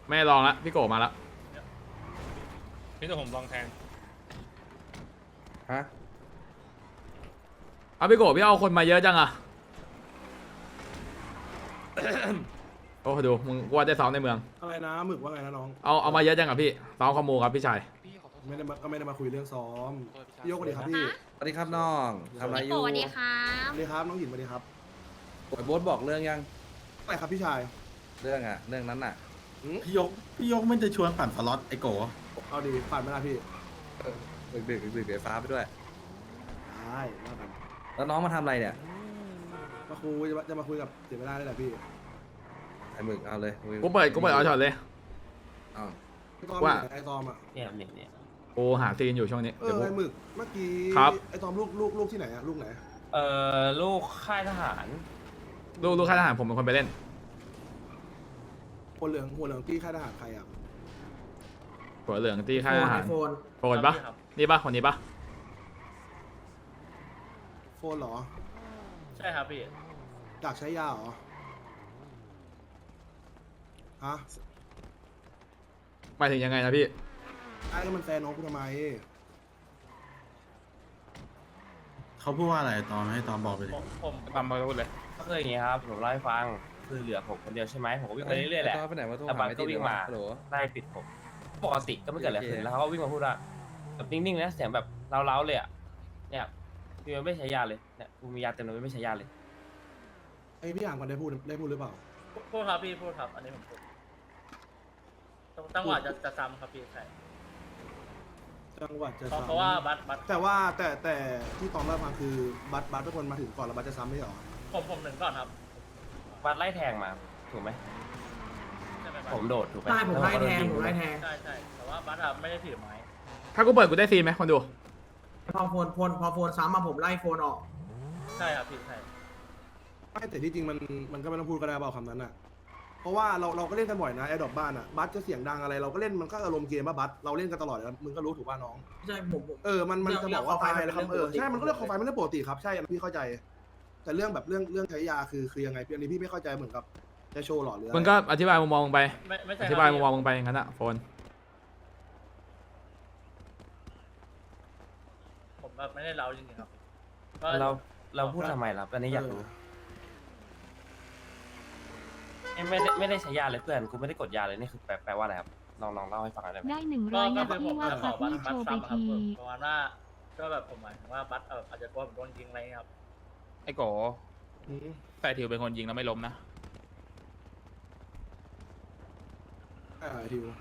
ไม่ลองละพี่โกมาละพี่จะผมลองแทงฮะเอาพี่โกพี่เอาคนมาเยอะจังอะ โอ้ดูมึงว่าได้ซ้อมในเมืองอะไรนะหมึกว่าไงนะน้องเอามาเยอะจังอะพี่ซ้อมคอมมูครับพี่ชายก็ไม่ได้มาคุยเรื่องซ้อมพี่ยกสวัสดีครับพี่สวัสดีครับน้องทำอะไรอยู่สวัสดีครับสวัสดีครับน้องหญิงสวัสดีครับโอ้ยโบ๊ทบอกเรื่องยังอะไรครับพี่ชายเรื่องนั้นน่ะพี่ยกไม่จะชวนปั่นสล็อตไอโกเอาดีผ่านไหมล่ะพี่ดึกไฟฟ้าไปด้วยได้ว่ากันแล้วน้องมาทำอะไรเนี่ยมาคุยจะมาคุยกับเสียเวลาได้แหละพี่ไอ้หมึกเอาเลยกูเปิดเอาช็อตเลยเอาไอ้ตอมว่าไอ้ตอมอ่ะเนี่ยกูหาซีนอยู่ช่วงนี้เอเดี๋ยวอกูไอ้หมึกเมื่อกี้ครับไอ้ตอมลูกที่ไหนอ่ะลูกไหนลูกค่ายทหารลูกข้าทหารผมเป็นคนไปเล่นหัวเหลืองที่ค่ายทหารใครอ่ะหัวเหลืองที่ข้าทหารโฟนโฟนปะนี่ปะคนนี้ปะโฟนเหรอใช่ครับพี่อยากใช้ยาเหรอฮะหมายถึงยังไงนะพี่ไอ้ก็มันแฟนน้องกูทำไมเขาพูดว่าอะไรตอนให้ตอนบอกไปดิผมตามมาพูดเลยก็คืออย่างงี้ครับผมเล่าให้ฟังคือเหลือผมคนเดียวใช่ไหมผมก็วิ่งไปเรื่อยๆแหละไอ้ตอนไปไหนมาโทรแต่หาบังไม่ก็ติดวิ่งมาฮัลโหลไล่ปิดผมปกติก็ไม่เกิดอะไรขึ้นแล้วเขาก็วิ่งมาพูดว่าแบบนิ่งๆนะเสียงแบบเล้าๆเลยอ่ะเนี่ยพี่ไม่ใช้ยาเลยเนี่ยกูมียาเต็มเลยไม่ใช้ยาเลยไอ้พี่อ่างก่อนได้พูดหรือเปล่าพูดครับพี่พูดครับอันนี้ผมพูดจังหวะจะซ้ำครับพี่ใช่จังหวัดจะเพซ้ำราะว่าบัตแต่ว่าแต่ที่ตอนแรกมาคือบัตเป็นคนมาถึงก่อนแล้วบัตจะซ้ำไม่ใช่เหรอผมหนึ่งก่อนครับวัดไล่แทงมาถูกไหมใช่ไหมบัสผมโดดถูกไหมใช่ผมไล่แทงใช่แต่ว่าบัตอะไม่ได้ถือไม้ถ้ากูเปิดกูได้ซีนไหมคนดูพอโฟนซ้ำมาผมไล่โฟนออกใช่ครับพี่ใช่ไม่แต่ที่จริงมันก็ไม่ต้องพูดก็ได้เปล่าคำนั้นอ่ะเพราะว่าเราก็เล่นกันบ่อยนะแอร์ดรอปบ้านอ่ะบัตจะเสียงดังอะไรเราก็เล่นมันก็อารมณ์เกมป่ะบัตเราเล่นกันตลอดแล้วมึงก็รู้ถูกป่ะน้องใช่ผมมันจะบอกว่าตายแล้วครับเรื่องปกติใช่มันก็เรื่องของไฟมันเรื่องปกติครับใช่อันนี้พี่เข้าใจ แต่เรื่องแบบเรื่องใช้ยาคือยังไงพี่อันนี้พี่ไม่เข้าใจเหมือนกับจะโชว์หรอหรืออะไรมึงก็อธิบายมุมมองมึงไปไม่ใช่อธิบายมุมมองมึงไปอย่างนั้นอะโฟนผมแบบไม่ได้เล่าจริงๆครับเราพูดทำไมล่ะอันนี้อยากรู้ไม่ได้ใช้ยาเลยเพื่อนกูไม่ได้กดยาเลยนี่คือแปลว่าอะไรครับลองเล่าให้ฟังหน่อยได้ไหมได้ก็ 100 ก็นาคือผทีมว่าขอพักบัตนี่รโชว์ไปซ้ำครับทีประมาณว่าก็แบบผมหมายถึงว่าบัตอาจจะกลัวผมโดนยิงอะไรเงี้ยครับไอ้โกแต่ทิวเป็นคนยิงแล้วไม่ล้มนะทิว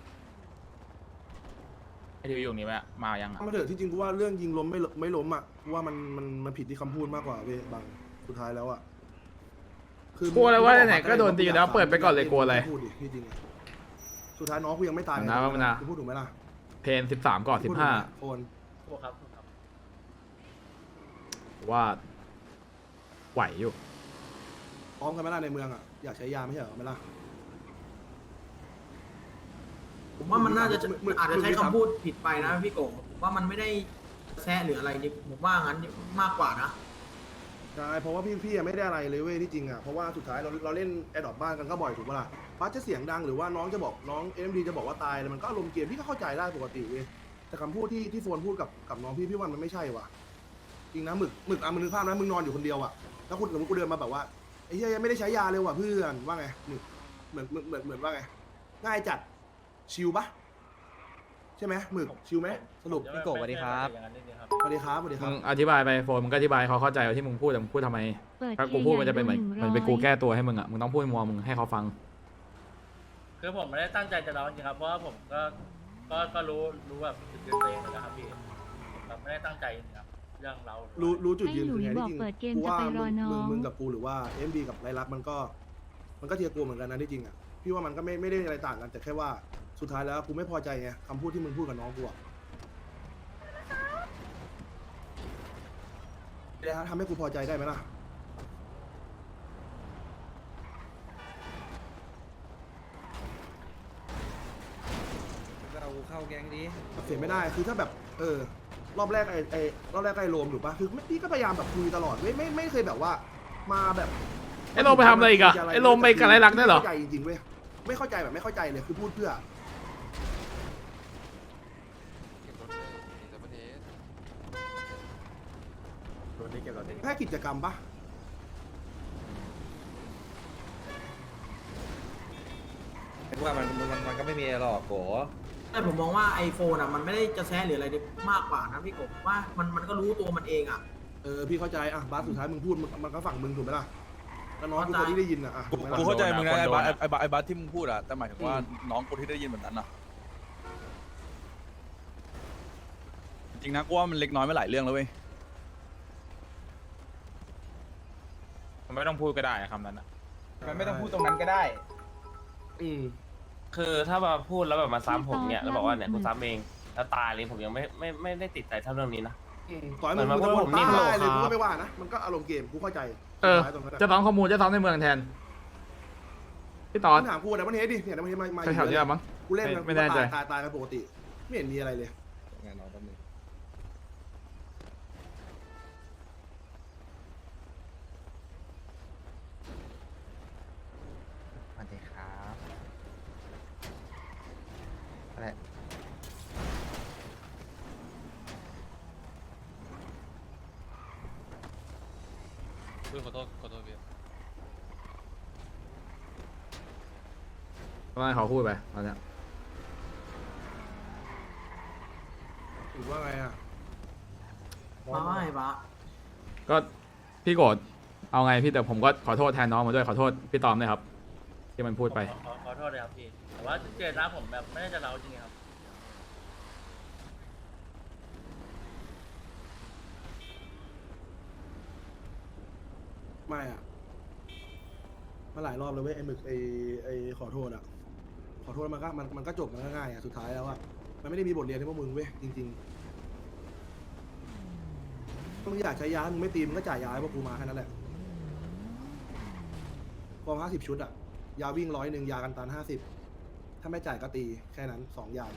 ไอ้ทิวอยู่นี่ไหมมายังอ่ะมาเถอะที่จริงกูว่าเรื่องยิงล้มไม่ล้มอ่ะกูว่ามันผิดที่คำพูดมากกว่าเว้ยบางสุดท้ายแล้วอ่ะกลัวอะไรวะไหนก็โดนตีแล้วเปิดไปก่อนเลยกลัวอะไรพูดดิที่จริงอะสุดท้ายน้องกูยังไม่ตายนะว่ามันนะกูพูดถูกไหมล่ะเพน13ก่อนพูดถูกไหมโอนถูกครับถูกครับ 15ว่าไหวอยู่พร้อมกันไหมล่ะในเมืองอ่ะอยากใช้ยาไม่ใช่เหรอไหมล่ะผมว่ามันน่าจะอาจจะใช้คำพูดผิดไปนะพี่โกผมว่ามันไม่ได้แซะหรืออะไรนี่ผมว่างั้นมากกว่านะใช่เพราะว่าพี่ไม่ได้อะไรเลยเว้ยที่จริงอ่ะเพราะว่าสุดท้ายเราเล่นแอดดอปบ้านกันก็บ่อยถูกปะล่ะบัสจะเสียงดังหรือว่าน้องจะบอกน้องเอ็มดีจะบอกว่าตายแล้วมันก็อารมณ์เกมพี่ก็เข้าใจได้ปกติเว้ยแต่คำพูดที่โฟนพูดกับน้องพี่ว่ามันไม่ใช่ว่ะจริงนะหมึกอ่ะมึงนึกภาพนะมึงนอนอยู่คนเดียวอ่ะแล้วคุณสมมติกูเดินมาแบบว่าไอ้เหี้ยยังไม่ได้ใช้ยาเลยว่ะเพื่อนว่าไงหมึกเหมือนว่าไงง่ายจัดชิลปะใช่ไหมหมึกชิลไหมสรุปพี่โกสวัสดีครับอย่างนั้นนิดนึงครับสวัสดีครับสวัสดีคมึรับงอธิบายไปโฟนมึงก็อธิบายเขาเข้าใจว่าที่มึงพูดแต่มึงพูดทำไมเปิดถ้ากูพูดมันจะเป็นเหมือนเป็นกูแก้ตัวให้มึงอะมึงต้องพูดมองมึงให้เขาฟังคือผมไม่ได้ตั้งใจจะเล่าจริงๆครับเพราะว่าผมก็รู้แบบจุดยืนตัวเองเหมือนกันครับพี่แบบไม่ได้ตั้งใจจริงๆครับเรื่องเรารู้จุดยืนให้หลุคือย ไงบอกที่จริงเปิดเกมกูจะว่าไปรอน้องมึงกับกูหรือว่าเอ็มดีกับไรลักษณ์มันก็เทียร์กูเหมือนกันนะที่จริงอ่ะพี่ว่ามันก็ไม่ได้อะไรต่างกันแต่แค่ว่าสุดท้ายแล้วกูไม่พอใจไงคำพูดที่มึงพูดกับน้องกูอะทำให้กูพอใจได้ไหมล่ะเราเข้าแก๊งดีเสียไม่ได้คือถ้าแบบรอบแรกรอบแรกไอ้โรมถูกปะคือพี่ก็พยายามแบบคุยตลอดไม่เคยแบบว่ามาแบบไอ้โรมไปทำอะไรอีกอะไอ้โรมไปกับไรลักษณ์ได้เหรอเข้าใจจริงๆเว้ยไม่เข้าใจแบบไม่เข้าใจเลยคือพูดเพื่อ แค่กิจกรรมปะว่ามันก็ไม่มีอะไรหรอกโกแต่ผมมองว่าไอโฟนอ่ะมันไม่ได้จะแซะหรืออะไรมากกว่านะพี่กบว่ามันก็รู้ตัวมันเองอ่ะพี่เข้าใจอ่ะบาสสุดท้ายมึงพูดมันก็ฝั่งมึงถูกไหมล่ะแล้วน้องกูคนที่ได้ยินอ่ะถูกไหมล่ะกูเข้าใจมึงนะไอ้บัสที่มึงพูดอะแต่หมายถึงว่าน้องกูที่ได้ยินแบบนั้นอะจริงนะกูว่ามันเล็กน้อยไม่หลายเรื่องแล้วเว้ยมันไม่ต้องพูดก็ได้คำนั้นอะมันไม่ต้องพูดตรงนั้นก็ได้คือถ้ามาพูดแล้วแบบมาซ้ำผมเนี่ยแล้วบอกว่าเนี่ยกูซ้ำเองแล้วตายเลยผมยังไม่ได้ติดใจเท่าเรื่องนี้นะต่อยมึงเหมือนจะว่าบ่ผมนนิ่มตายลงเลยครับกูก็ไม่ว่านะมันก็อารมณ์เกมกูเข้าใจจะซ้อมข้อมูลจะซ้อมในเมืองแทนพี่ตอนถามกูนะมันเฮดดิเนี่ยมันเฮดมาแถวๆนี้มั้งกูเล่นไม่แน่ใจตายกันปกติไม่เห็นมีอะไรเลยงานน้องแป๊บนึงสวัสดีครับอะไรขอโทษพี่ก็ให้เขาพูดไปตอนเนี้ยหรือว่าไงอ่ะไม่ปะก็พี่โกรธเอาไงพี่แต่ผมก็ขอโทษแทนน้องมาด้วยขอโทษพี่ตอมด้วยครับที่มันพูดไปขอโทษเลยครับพี่แต่ว่าเจตนาผมแบบไม่ได้จะเล้าจริงๆครับไม่อ่ะมาหลายรอบเลยเว้ยไอ้หมึกไอ้ขอโทษอ่ะขอโทษมันก็จบมันก็ง่ายอ่ะสุดท้ายแล้วอ่ะมันไม่ได้มีบทเรียนให้พวกมึงเว้ยจริงๆมึงอยากใช้ยามึงไม่ตีมึงก็จ่ายยาให้พวกกูมาแค่นั้นแหละกอง50 ชุดอ่ะยาวิ่ง100ยากันตัน50ถ้าไม่จ่ายก็ตีแค่นั้น2อย่าง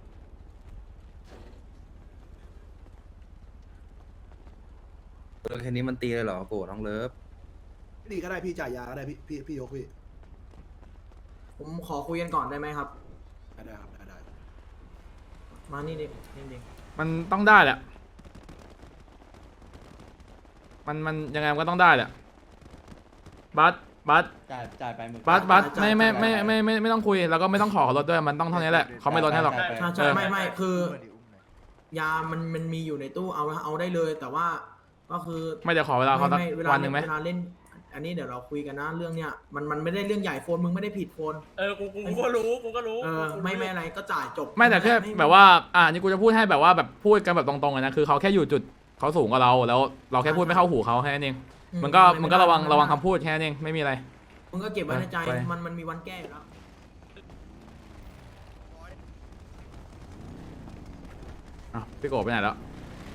แค่นี้มันตีเลยเหรอโกน้องเลิฟตีก็ได้พี่จ่ายยาก็ได้พี่ยกพี่ผมขอคุยกันก่อนได้ไหมครับได้ครับได้มานี่ดินี่ดิมันต้องได้แหละมันยังไงมันก็ต้องได้แหละบัสจ่ายไปมึงบัสไม่ต้องคุยแล้วก็ไม่ต้องขอลดด้วยมันต้องเท่านี้แหละเขาไม่ลดให้หรอกใช่ไม่คือ ยามันมีอยู่ในตู้เอาได้เลย แต่ว่าก็คือไม่เดี๋ยวขอเวลาเขาสักเวลาวันหนึ่งไหมเวลาเล่น อันนี้เดี๋ยวเราคุยกันนะเรื่องเนี้ยมันไม่ได้เรื่องใหญ่โฟนมึงไม่ได้ผิดโฟนกูก็รู้กูก็รู้ไม่อะไรก็จ่ายจบไม่แต่แค่แบบว่านี่กูจะพูดให้แบบว่าแบบพูดกันแบบตรงๆเลยนะคือเขาแค่อยู่จุดเขาสูงกว่าเราแล้วเราแค่พูดไม่เข้าหูเขาแค่นั้นเองมันก็ระวังคำพูดแค่นั้นเองไม่มีอะไรมึงก็เก็บไว้ในใจไปมันมีวันแก้อยู่แล้วพี่โกไปไหนแล้ว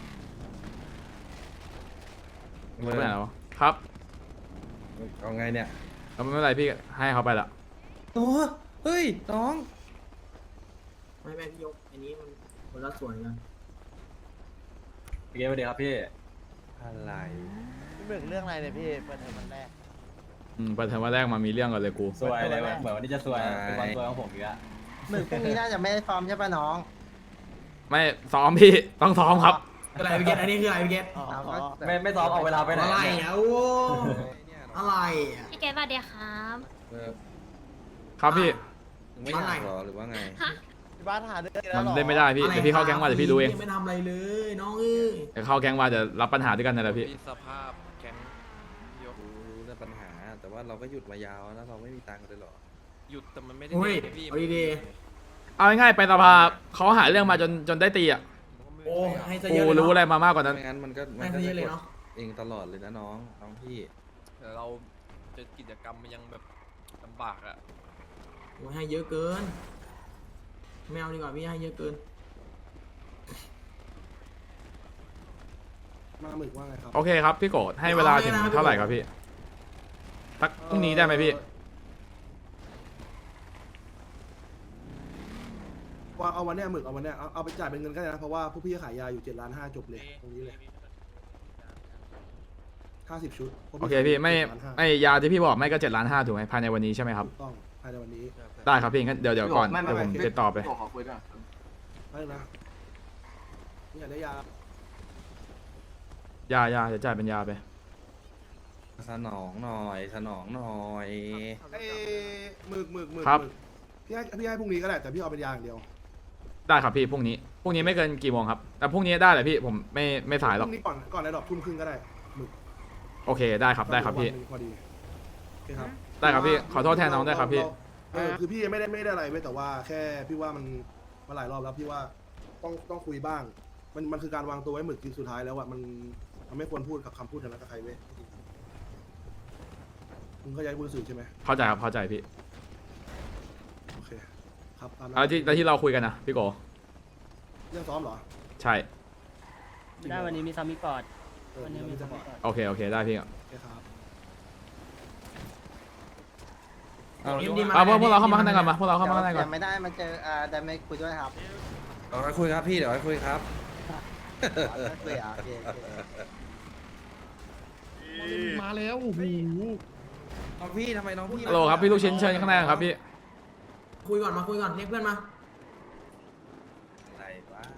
ไปไหนแล้วครับเอาไงเนี่ยแล้วไม่เป็นไรพี่ให้เขาไปละโอ้เฮ้ยน้องไม่พี่ยกอันนี้มันคนละส่วนกันพี่เกมสวัสดีครับพี่อะไรพี่เบิกเรื่องอะไรเนี่ยพี่เปิดเทอมวันแรกเปิดเทอมวันแรกมามีเรื่องก่อนเลยกูสวยเลยเหมือนวันนี้จะสวยเป็นวันสวยของผมอีกแล้วมึงพรุ่งนี้น่าจะไม่ได้ซ้อมใช่ป่ะน้องไม่ซ้อมพี่ต้องซ้อมครับอะไรพี่เกตอันนี้คืออะไรพี่เกตไม่ซ้อมเอาเวลาไปไหนอะไรอ่ะโอ้อะไรอ่ะพี่เกดสวัสดีครับครับพี่มึงไม่อยากหรอหรือว่าไงพี่บ้านหาเรื่องมันเล่นไม่ได้พี่เดี๋ยวพี่เข้าแก๊งมาเดี๋ยวพี่ดูเองไม่ทำอะไรเลยน้องเอ้ยเดี๋ยวเข้าแก๊งมาจะรับปัญหาด้วยกันนั่นแหละพี่สภาพแก๊งรู้เรื่องปัญหา แต่ว่าเราก็หยุดมายาวแล้วเราไม่มีตังค์เลยหรอหยุดแต่มันไม่ได้โอ้ยพี่เอาดีเอาง่ายๆไปสภาเขาหาเรื่องมาจนได้ตีอ่ะๆโอ้ให้ซะเยกูอะเลยรู้เนาะอะไรมามากกว่านั้นไม่งั้นมันก็ให้ซะเยอะเลยเนาะเองตลอดเลยนะน้องพี่แต่เราจะกิจกรรมมันยังแบบลำบากอ่ะโอ้ยให้เยอะเกินไม่เอาดีกว่าพี่ให้เยอะเกินมาหมึกว่าไงครับโอเคครับพี่โกดให้เวลาถึงเท่าไหร่ครับพี่สักพรุ่งนี้ได้ไหมพี่ว่าเอาวันเนี้ยหมึกเอาวันเนี้ยเอาไปจ่ายเป็นเงินก็ได้นะเพราะว่าพวกพี่ขายยาอยู่7.5 ล้านจบเลยตรงนี้เลย50 ชุดพวกโอเคพี่ไม่ 7.5 ไอยาที่พี่บอกไม่ก็7.5 ล้านถูกไหมภายในวันนี้ใช่ไหมครับถูกต้องภายในวันนี้ได้ครับพี่งั้นเดี๋ยวก่อนเดี๋ยวผมติดต่อไปไม่นะนี่อยากได้ยายาเดี๋ยวจ่ายเป็นยาไปสนองหน่อยสนองหน่อยไอ้หมึกครับพี่ให้พรุ่งนี้ก็ได้แต่พี่เอาเป็นยาอย่างเดียวได้ครับพี่พรุ่งนี้ไม่เกินกี่โมงครับแต่พรุ่งนี้ได้เลยพี่ผมไม่สายหพรอกรุ่งนี้ก่อนในดอกทุ่มครึ่งก็ได้หมึกโอเคได้ครับพี่วันหนึ่งพอดีโอเคครับได้ครับพี่ขอโทษแทนน้องด้วยครับพี่คือพี่ไม่ได้อะไรเว้ยแต่ว่าแค่พี่ว่ามันมาหลายรอบแล้วพี่ว่าต้องคุยบ้าง มันคือการวางตัวไว้หมึกจริงสุดท้ายแล้วอะมันไม่ควรพูดกับคำพูดนั้นกับใครเว้ยมึงเข้าใจพูดสื่อใช่ไหมเข้าใจครับเข้าใจพี่โอเคครับตามนั้นแล้วที่เราคุยกันนะพี่โกเรื่องซ้อมเหรอใช่ได้วันนี้มีซัมมิกอดวันนี้มีจังหวะโอเคได้พี่โอเคครับพวกเราเข้ามาข้างในก่อนมาพวกเราเข้ามาข้างในก่อนไม่ได้มันเจอได้ไม่คุยด้วยครับเดี๋ยวไปคุยครับพี่เดี๋ยวไปคุยครับคุยอ่ะโอเคมาแล้วโอ้โหน้องพี่ทำไมน้องพี่ฮัลโหลครับพี่ลูกชิ้นเชิญข้างในครับพี่คุยก่อนมาคุยก่อนเรียกเพื่อนมาอะไรวะ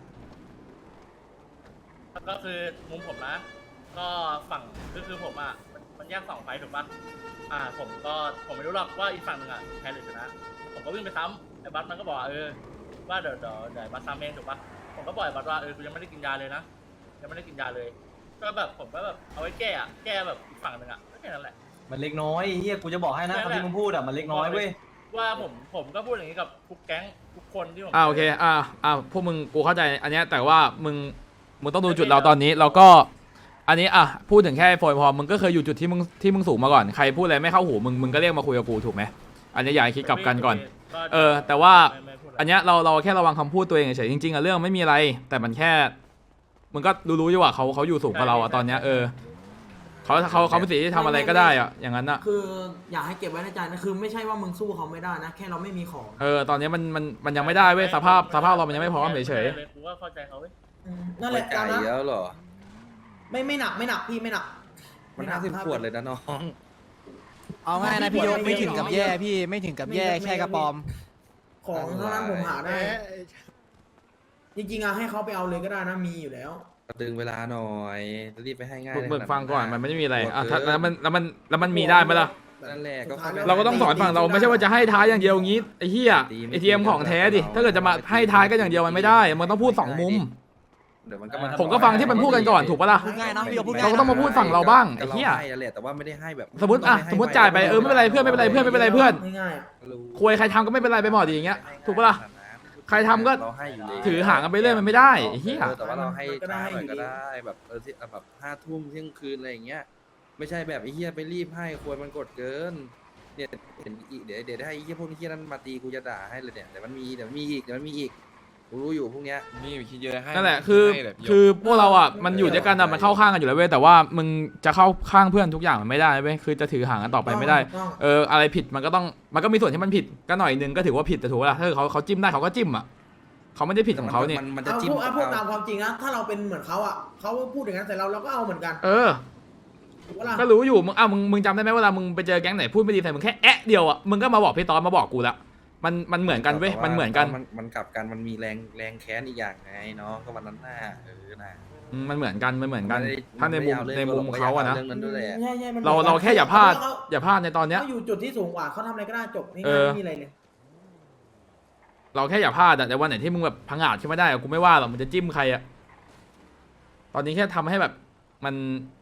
ก็คือมุมผมนะ ก็ฝั่งคือผมอ่ะมันแยก2 ไฟถูกปะผมไม่รู้หรอกว่าอีกฝั่งหนึ่งอ่ะแพ้หรือชนะ ผมก็วิ่งไปซ้ำไอ้บัสมันก็บอกว่าเดี๋ยวบัสซ้ำเองถูกปะผมก็บอกไอ้บัสว่ากูยังไม่ได้กินยาเลยนะยังไม่ได้กินยาเลย ก็แบบผมก็แบบเอาไว้แก้แบบอีกฝั่งหนึ่งอ่ะแค่นั้นแหละมันเล็กน้อยเฮียกูจะบอกให้นะคำที่มึงพูดอ่ะมันเล็กน้อยเว้ยว่าผมก็พูดอย่างนี้กับทุกแก๊งทุกคนที่ผมโอเคพวกมึงกูเข้าใจอันเนี้ยแต่ว่ามึงต้องดูจุดเราตอนนี้เราก็อันนี้พูดถึงแค่โฟนพอมึงก็เคยอยู่จุดที่มึงสูงมาก่อนใครพูดอะไรไม่เข้าหูมึงก็เรียกมาคุยกับกูถูกไหมอันนี้อย่าให้คิดกลับกันก่อนแต่ว่าอันเนี้ยเราแค่ระวังคำพูดตัวเองเฉยจริงๆเรื่องไม่มีอะไรแต่มันแค่มึงก็รู้อยู่ว่าเขาอยู่สูงกว่าเราตอนเนี้ยเขาเป็นสิทธิ์ที่ทำอะไรก็ได้อย่างนั้นคืออยากให้เก็บไว้ในใจนะคือไม่ใช่ว่ามึงสู้เขาไม่ได้นะแค่เราไม่มีของตอนนี้มันยังไม่ได้เว้ยสภาพเรามันยังไม่พร้อมเฉยกูก็เข้าใจเขาเว้ยนั่นแหละไก่ตามนั้นแล้วเหรอไม่หนักพี่ไม่หนักมัน50 ขวดเลยนะน้องเอาง่ายนะพี่ยกไม่ถึงกับแย่พี่ไม่ถึงกับแย่แค่กระปอมของเท่านั้นผมหาได้ จริงๆให้เขาไปเอาเลยก็ได้นะมีอยู่แล้วดึงเวลาหน่อยจะรีบไปให้ง่ายๆมึงฟังก่อนมันไม่ได้มีอะไรแล้วมันมีได้ไหมล่ะนั่นแหละก็เราก็ต้องสอนฝั่งเราไม่ใช่ว่าจะให้ท้ายอย่างเดียวอย่างนี้ไอ้เหี้ยATM ของแท้ดิถ้าเกิดจะมาให้ท้ายก็อย่างเดียวมันไม่ได้มันต้องพูด2 มุมเดี๋ยวมันก็มาผมก็ฟังที่มันพูดกันก่อนถูกปะล่ะพูดง่ายนะพี่ยกพูดง่ายเราก็ต้องมาพูดฝั่งเราบ้างไอ้เหี้ยให้แหละแต่ว่าไม่ได้ให้แบบสมมติจ่ายไปไม่เป็นไรเพื่อนไม่เป็นไรเพื่อนไม่เป็นไรเพื่อนง่ายๆคุยใครทำก็ไม่เป็นไรไปหมดอย่างเงี้ยถูกปะล่ะใครทำก็เราให้อยู่ดีถือหางกันไปเรื่อยมันไม่ได้ไอ้เหี้ยแต่ว่าเราให้ช้าหน่อยก็ได้แบบที่แบบ5 ทุ่มเที่ยงคืนอะไรอย่างเงี้ยไม่ใช่แบบไอ้เหี้ยไปรีบให้ควรมันกดเกินเนี่ยเห็นอีกเดี๋ยวให้ไอ้เหี้ยพวกนี้เหี้ยนั้นมาตีกูจะด่าให้เลยเนี่ยเดี๋ยวมันมีอีกกูรู้อยู่พวกเนี้ยนี่คิดเยอะให้นั่นแหละคือพวกเรามันอยู่ด้วยกันมันเข้าข้างกันอยู่แล้วเว้ยแต่ว่ามึงจะเข้าข้างเพื่อนทุกอย่างมันไม่ได้เว้ยคือจะถือหางกันต่อไปไม่ได้อะไรผิดมันก็มีส่วนที่มันผิดก็หน่อยนึงก็ถือว่าผิดแต่ถูกปะล่ะถ้าเขาจิ้มได้เขาก็จิ้มเขาไม่ได้ผิดของเขานี่มันจะจิ้มพูดตามความจริงนะถ้าเราเป็นเหมือนเขาเขาพูดอย่างนั้นแต่เราก็เอาเหมือนกันถูกปะล่ะก็รู้อยู่มึงจำได้ไหมเวลามึงไปเจอแก๊งไหนพูดไม่ดีใส่มึงแค่เดียวมึงก็มาบอกพี่ตอนมาบอกกูละมันเหมือนกันเว้ยมันเหมือนกันมันกลับกันมันมีแรงแค้นอีกอย่างไงน้องก็วันนั้นน่ะน่ะมันเหมือนกันถ้าในมุมเขานะเรื่องนั้นด้วยแหละใช่มันเราแค่อย่าพลาดในตอนเนี้ยเขาอยู่จุดที่สูงกว่าเขาทำอะไรก็ได้จบง่ายๆไม่มีอะไรเลยเราแค่อย่าพลาดแต่วันไหนที่มึงแบบพังอาจขึ้นไม่ได้กูไม่ว่าหรอกมันจะจิ้มใครตอนนี้แค่ทำให้แบบมัน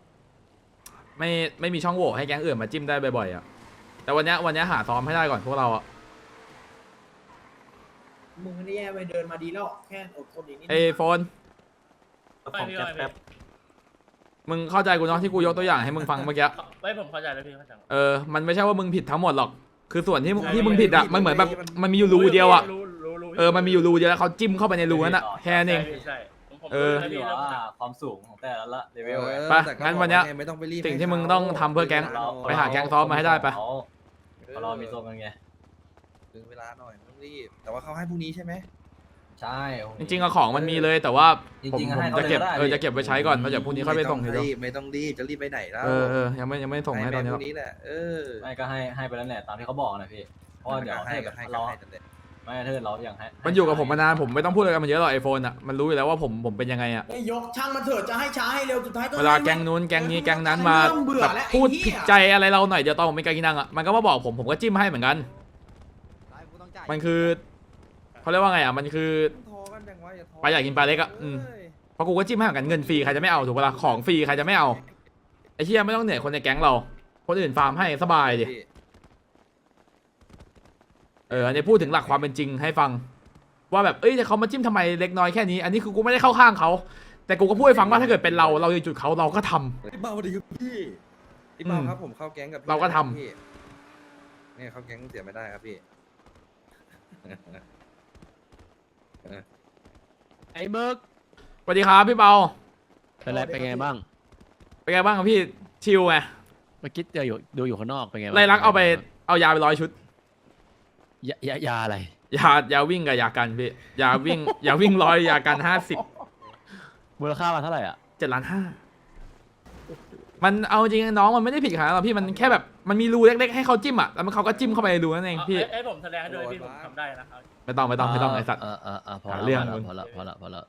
ไม่มีช่องโหว่ให้แก๊งอื่นมาจิ้มได้บ่อยๆแต่วันนี้หาซ้อมให้ได้ก่อนพวกเรามึงไม่ได้แย่ไปเดินมาดีแล้วแค่อดทนอีกนิดโฟนมึงเข้าใจกูเนาะที่กูยกตัวอย่างให้มึงฟังเมื่อกี้ไม่ผมเข้าใจแล้วพี่เข้าใจมันไม่ใช่ว่ามึงผิดทั้งหมดหรอกคือส่วนที่มึงผิดมันเหมือนแบบมันมีอยู่รูเดียวมันมีอยู่รูเดียวแล้วเขาจิ้มเข้าไปในรูนั้นแค่นั้นเองใช่อยู่ว่าความสูงของแต่ละเลเวลไปงั้นวันเนี้ยสิ่งที่มึงต้องทำเพื่อแก๊งไปหาแก๊งซ้อมมาให้ได้ไปเรามีตัวกันไงถึงเวลาหน่อยไม่ต้องรีบแต่ว่าเขาให้พรุ่งนี้ใช่ไหมใช่จริงๆของมันมีเลยแต่ว่าผมจริงๆให้จะเก็บเขาเลยก็ได้จะเก็บไว้ใช้ก่อนเพราะเดี๋ยวพรุ่งนี้ค่อยไปส่งทีเดียวไม่ต้องรีบจะรีบไปไหนแล้วยังไม่ส่งให้ตอนนี้พรุ่งนี้แหละไม่ก็ให้ไปแล้วแหละตามที่เขาบอกนะพี่เพราะเดี๋ยวให้เราไม่เธอเราอย่างให้มันอยู่กับผมมานานผมไม่ต้องพูดอะไรกันมันเยอะหรอกไอโฟนอ่ะมันรู้อยู่แล้วว่าผมเป็นยังไงอ่ะไอ้ยกช่างมันเถอะจะให้ช้าให้เร็วสุดท้ายก็เวลาแก๊งนู้นแก๊งนี้แก๊งนั้นมาเริ่เบื่อแบบแล้วพูดไอ้เหี้ยผิดใจอะไรเราหน่อยเดี๋ยวตอนผมเป็นกากินังอ่ะมันก็มาบอกผมก็จิ้มให้เหมือนกัน มันคือเขาเรียกว่าไงอ่ะมันคือปลาใหญ่กินปลาเล็กอ่ะเพราะกูก็จิ้มให้เหมือนกันเงินฟรีใครจะไม่เอาถูกปะล่ะของฟรีใครจะไม่เอาไอ้เหี้ยไม่ต้องเหนื่อยคนในแก๊งเราคนอื่นฟาร์มให้สบายดิอันนี้พูดถึงหลักความเป็นจริงให้ฟังว่าแบบแต่เขามาจิ้มทำไมเล็กน้อยแค่นี้อันนี้คือกูไม่ได้เข้าข้างเขาแต่กูก็พูดให้ฟังว่าถ้าเกิดเป็นเราอยู่จุดเขาเราก็ทำพี่เบาดีครับพี่เบาครับผมเข้าแก๊งกับพี่เราก็ทำพี่เนี่ยเข้าแก๊งเสียไม่ได้ครับพี่ไอ้เบิร์กสวัสดีครับพี่เปาเป็นไรเป็นไงบ้างเป็นไงบ้างครับพี่ชิลไงเมื่อกี้เจออยู่ดูอยู่ข้างนอกเป็นไงบ้างไล่ลักเอายาไป100 ชุดยาอะไรยาวิ่งกับยากันพี่ยาวิ่ง ยาวิ่ง100ยากัน50 มูลค่ามาเท่าไหร่อ่ะ 7,500,000มันเอาจริงๆน้องมันไม่ได้ผิดขนาดนั้นหรอกพี่มันแค่แบบมันมีรูเล็กๆให้เขาจิ้มอ่ะแล้วเขาก็จิ้มเข้าไปในรูนั่นเองพี่ไอ้ผมแสดงให้ด้วยพี่ผมทำได้นะไม่ต้องไอ้สัตว์พอหาแล้วเรื่องพอแล้ว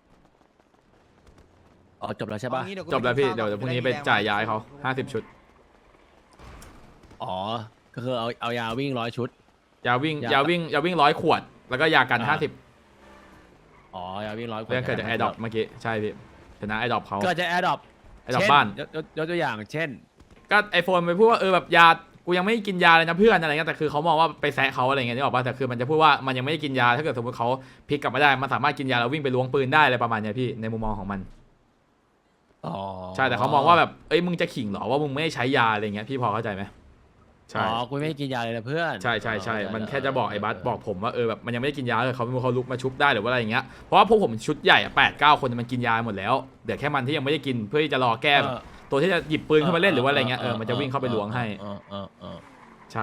อ๋อจบแล้วใช่ปะจบแล้วพี่เดี๋ยวพรุ่งนี้ไปจ่ายยาให้เขา50 ชุดอ๋อก็คือเอายาวิ่ง100 ชุดยาวิ่ง100 ขวด แล้วก็ยากันอ่า 50 อ๋อยาวิ่ง100 เรื่องเกิดจากแอร์ดรอปเมื่อกี้ใช่พี่ชนะแอร์ดรอปเขาเกิดจากแอร์ดรอปแอร์ดรอปบ้านยกตัวอย่างเช่นก็ไอโฟนไปพูดว่าแบบยากูยังไม่กินยาเลยนะเพื่อนอะไรเงี้ยแต่คือเขามองว่าไปแซะเขาอะไรเงี้ยนี่บอกป่ะแต่คือมันจะพูดว่ามันยังไม่ได้กินยาถ้าเกิดสมมติเขาพลิกกลับมาได้มันสามารถกินยาแล้ววิ่งไปล้วงปืนได้อะไรประมาณเนี้ยพี่ในมุมมองของมันอ๋อใช่แต่เขามองว่าแบบมึงจะขิงเหรอว่ามึงไม่ได้ใช้ยาอะไรเงี้ยพี่พอเข้าใจไหมใช่อ๋อกูไม่ได้กินยาเลยนะเพื่อนใช่มันแค่จะบอกไอ้บัสบอกผมว่าแบบมันยังไม่ได้กินยาเลยเขาลุกมาชุบได้หรือว่าอะไรอย่างเงี้ยเพราะว่าพวกผมชุดใหญ่8-9 คนมันกินยาหมดแล้วเดี๋ยวแค่มันที่ยังไม่ได้กินเพื่อที่จะรอแก้แบบตัวที่จะหยิบปืนขึ้นมาเล่นหรือว่าอะไรเงี้ยมันจะวิ่งเข้าไปล้วงให้ใช่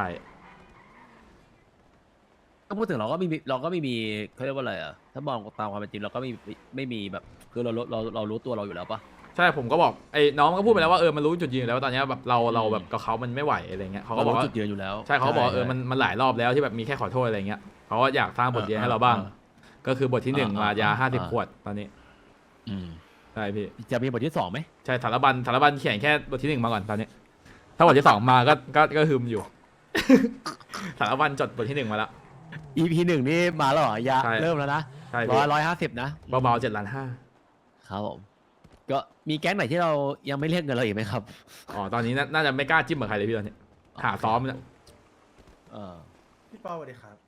ก็พูดถึงเราก็ไม่มีเขาเรียกว่าอะไรอ่ะถ้ามองตามความเป็นจริงเราก็ไม่มีแบบคือเรารู้ตัวเราอยู่แล้วปะใช่ผมก็บอกไอ้น้องมันก็พูดไปแล้วว่ามันรู้จุดยืนอยู่แล้วว่าตอนเนี้ยแบบเราแบบกับเขามันไม่ไหวอะไรเงี้ยเขาก็บอกว่าจุดยืนอยู่แล้วใช่เขาบอกมันหลายรอบแล้วที่แบบมีแค่ขอโทษอะไรเงี้ยเขาก็อยากสร้างบทเรียนให้เราบ้าง ก็คือบทที่1มายา50 ขวดตอนนี้ใช่พี่จะมีบทที่2ไหมใช่สารบัญเขียนแค่บทที่1มาก่อนตอนนี้ ถ้าบทที่2มาก็ฮึมอยู่ สารบัญจดบทที่1มาแล้ว EP 1นี่มาแล้วเหรอยาใช่เริ่มแล้วนะใช่พี่ 150นะเบาๆ7,500,000 ครับผมก็มีแก๊งไหนที่เรายังไม่เรียกเงินเราอีกไหมครับอ๋อตอนนี้น่าจะไม่กล้าจิ้มกับใครเลยพี่ตอนนี้หาซ้อมเนี่ยเออพี่เป้าสวัสดีครับ